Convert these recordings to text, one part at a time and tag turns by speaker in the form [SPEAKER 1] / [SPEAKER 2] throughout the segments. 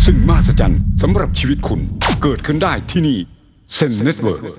[SPEAKER 1] ซึ่งมหัศจรรย์สำหรับชีวิตคุณเกิดขึ้นได้ที่นี่เซนเน็ตเวิร์ก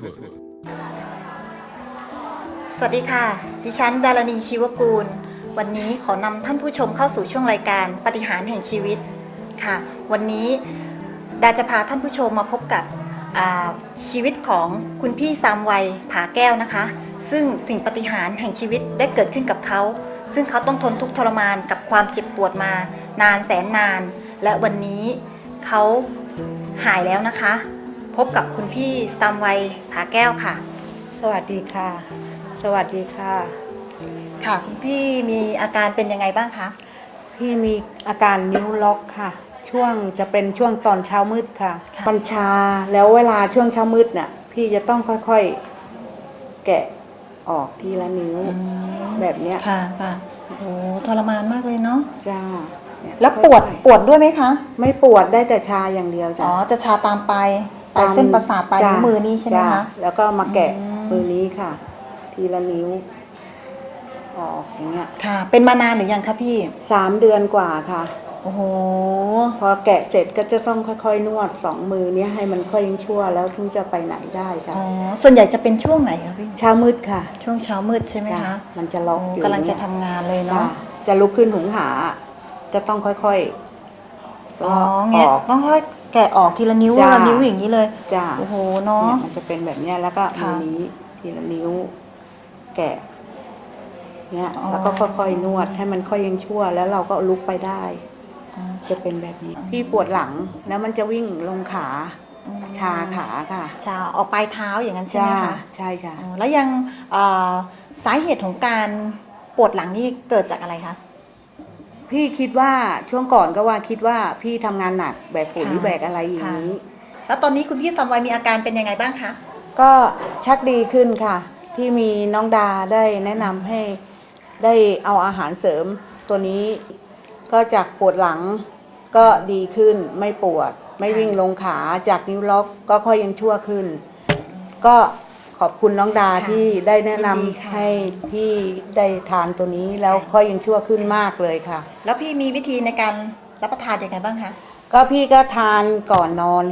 [SPEAKER 2] สวัสดีค่ะ ดิฉันดารณีชีวกูลวันนี้ขอนำท่านผู้ชมเข้าสู่ช่วงรายการปาฏิหาริย์แห่งชีวิตค่ะวันนี้ดาจะพาท่านผู้ชมมาพบกับชีวิตของคุณพี่ซามวัยผาแก้วนะคะซึ่งสิ่งปาฏิหาริย์แห่งชีวิตได้เกิดขึ้นกับเขาซึ่งเขาต้องทนทุกข์ทรมานกับความเจ็บปวดมานานแสนนานและวันนี้เขาหายแล้วนะคะพบกับคุณพี่ซามวัยผาแก้วค่ะ
[SPEAKER 3] สวัสดีค่ะสวัสดีค่ะ
[SPEAKER 2] ค่ะคุณพี่มีอาการเป็นยังไงบ้างคะ
[SPEAKER 3] พี่มีอาการนิ้วล็อกค่ะจะเป็นช่วงตอนเช้ามืดค่ะมันชาแล้วเวลาช่วงเช้ามืดเนี่ยพี่จะต้องค่อยๆแกะออกทีละนิ้วแบบเนี้ย
[SPEAKER 2] ค่ะค่ะโอ้ทรมานมากเลยเนาะ
[SPEAKER 3] จ้า
[SPEAKER 2] แล้วปวดด้วยไหมคะ
[SPEAKER 3] ไม่ปวดได้แต่ชาอย่างเดียวจ้ะ
[SPEAKER 2] อ๋อจะชาตามปลายเส้นประสาทปลายนิ้วมือนี่ใช่ไหมคะ
[SPEAKER 3] แล้วก็มาแกะมือนี้ค่ะทีละนิ้วออกอย่างเงี้ย
[SPEAKER 2] ค่ะเป็นมานานหรือยังคะพี่
[SPEAKER 3] 3 เดือนกว่าค่ะ
[SPEAKER 2] โอ้โห
[SPEAKER 3] พอแกะเสร็จก็จะต้องค่อยๆนวด2 มือนี้ให้มันค่อยชั่วแล้วถึงจะไปไหนได้ค่ะ
[SPEAKER 2] อ๋อส่วนใหญ่จะเป็นช่วงไหนคะพี่
[SPEAKER 3] เช้ามืดค่ะ
[SPEAKER 2] ช่วงเช้ามืดใช่ไหมคะ
[SPEAKER 3] มันจะล็อกอยู่
[SPEAKER 2] กำลังจะทำงานเลยเนาะ
[SPEAKER 3] จะลุกขึ้นหุงหาจะต้องค่อย
[SPEAKER 2] ๆอ๋อเงี้ยต้องค่อยแกะออกทีละนิ้วละนิ้วอย่างนี้เลย
[SPEAKER 3] จ้า
[SPEAKER 2] โอ้โหเนาะ
[SPEAKER 3] มันจะเป็นแบบนี้แล้วก็มือนี้ทีละนิ้วแกะเนี่ยแล้วก็ค่อยๆนวดให้มันค่อยยังชั่วแล้วเราก็ลุกไปได้จะเป็นแบบนี้พี่ปวดหลังแล้วมันจะวิ่งลงขาชาขาค่ะ
[SPEAKER 2] ชาออกปลายเท้าอย่างนั้นใช่ไหมคะ
[SPEAKER 3] ใช่จ้ะ
[SPEAKER 2] แล้วยังสาเหตุของการปวดหลังนี่เกิดจากอะไรคะ
[SPEAKER 3] พี่คิดว่าช่วงก่อนก็คิดว่าพี่ทำงานหนักแบกปุ๋ยแบกอะไรอย่างนี้
[SPEAKER 2] แล้วตอนนี้คุณพี่ซามวัยมีอาการเป็นยังไงบ้างคะ
[SPEAKER 3] ก็ชักดีขึ้นค่ะที่มีน้องดาได้แนะนำให้ได้เอาอาหารเสริมตัวนี้ก็จากปวดหลังก็ดีขึ้นไม่ปวดไม่วิ่งลงขาจากนิ้วล็อกก็ค่อยยังชั่วขึ้นก็ขอบคุณน้องดาที่ได้แนะนำให้พี่ได้ทานตัวนี้แล้วค่อยยังชั่วขึ้นมากเลยค่ะ
[SPEAKER 2] แล้วพี่มีวิธีในการรับประทานยังไงบ้างคะ
[SPEAKER 3] ก็พี่ก็ทานก่อนนอน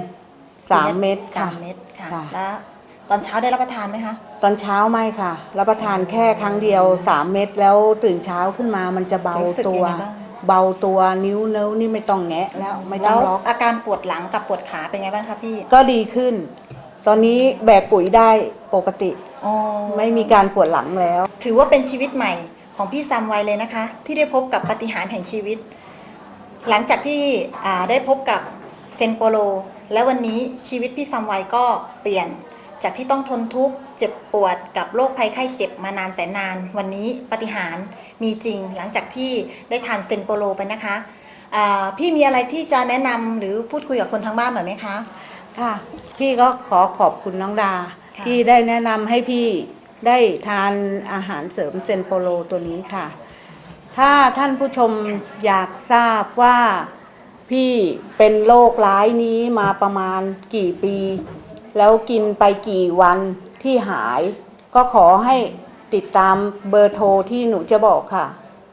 [SPEAKER 3] 3 เม็ดค่ะ
[SPEAKER 2] 3 เม็ดค่ะแล้วตอนเช้าได้รับประทานไหมคะ
[SPEAKER 3] ตอนเช้าไม่ค่ะรับประทานแค่ครั้งเดียว3 เม็ดแล้วตื่นเช้าขึ้นมามันจะเบาตัวนิ้วนี่ไม่ต้องแงะแล้วไม่ต้องล็อก
[SPEAKER 2] อาการปวดหลังกับปวดขาเป็นไงบ้างคะพี่
[SPEAKER 3] ก็ดีขึ้นตอนนี้แบกปุ๋ยได้ปกติไม่มีการปวดหลังแล้ว
[SPEAKER 2] ถือว่าเป็นชีวิตใหม่ของพี่ซามวัยเลยนะคะที่ได้พบกับปาฏิหาริย์แห่งชีวิตหลังจากที่ได้พบกับเซนโปโลและวันนี้ชีวิตพี่ซามวัยก็เปลี่ยนจากที่ต้องทนทุกข์เจ็บปวดกับโรคภัยไข้เจ็บมานานแสนนานวันนี้ปาฏิหาริย์มีจริงหลังจากที่ได้ทานเซนโปโลไปนะคะพี่มีอะไรที่จะแนะนำหรือพูดคุยกับคนทางบ้านหน่อยไหมคะ
[SPEAKER 3] ค่ะพี่ก็ขอบคุณน้องดาที่ได้แนะนำให้พี่ได้ทานอาหารเสริมเซนโปโลตัวนี้ค่ะถ้าท่านผู้ชมอยากทราบว่าพี่เป็นโรคร้ายนี้มาประมาณกี่ปีแล้วกินไปกี่วันที่หายก็ขอให้ติดตามเบอร์โทรที่หนูจะบอกค่ะ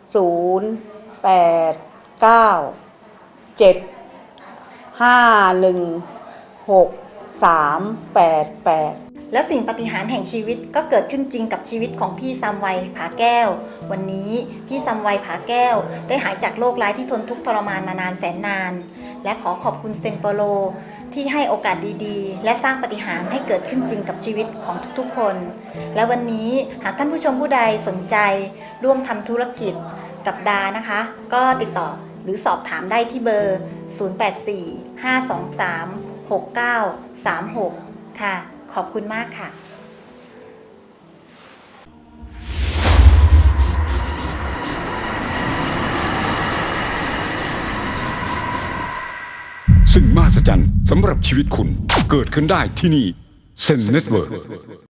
[SPEAKER 2] 0897516388และสิ่งปาฏิหาริย์แห่งชีวิตก็เกิดขึ้นจริงกับชีวิตของพี่ซามวัยผาแก้ววันนี้พี่ซามวัยผาแก้วได้หายจากโรคร้ายที่ทนทุกข์ทรมานมานานแสนนานและขอบคุณเซนโปโลที่ให้โอกาสดีๆและสร้างปาฏิหาริย์ให้เกิดขึ้นจริงกับชีวิตของทุกๆคนและวันนี้หากท่านผู้ชมผู้ใดสนใจร่วมทำธุรกิจกับดานะคะก็ติดต่อหรือสอบถามได้ที่เบอร์ 0845236936 ค่ะขอบคุณมากค่ะ
[SPEAKER 1] ซึ่งมหัศจรรย์สำหรับชีวิตคุณเกิดขึ้นได้ที่นี่เซนเน็ตเวิร์ก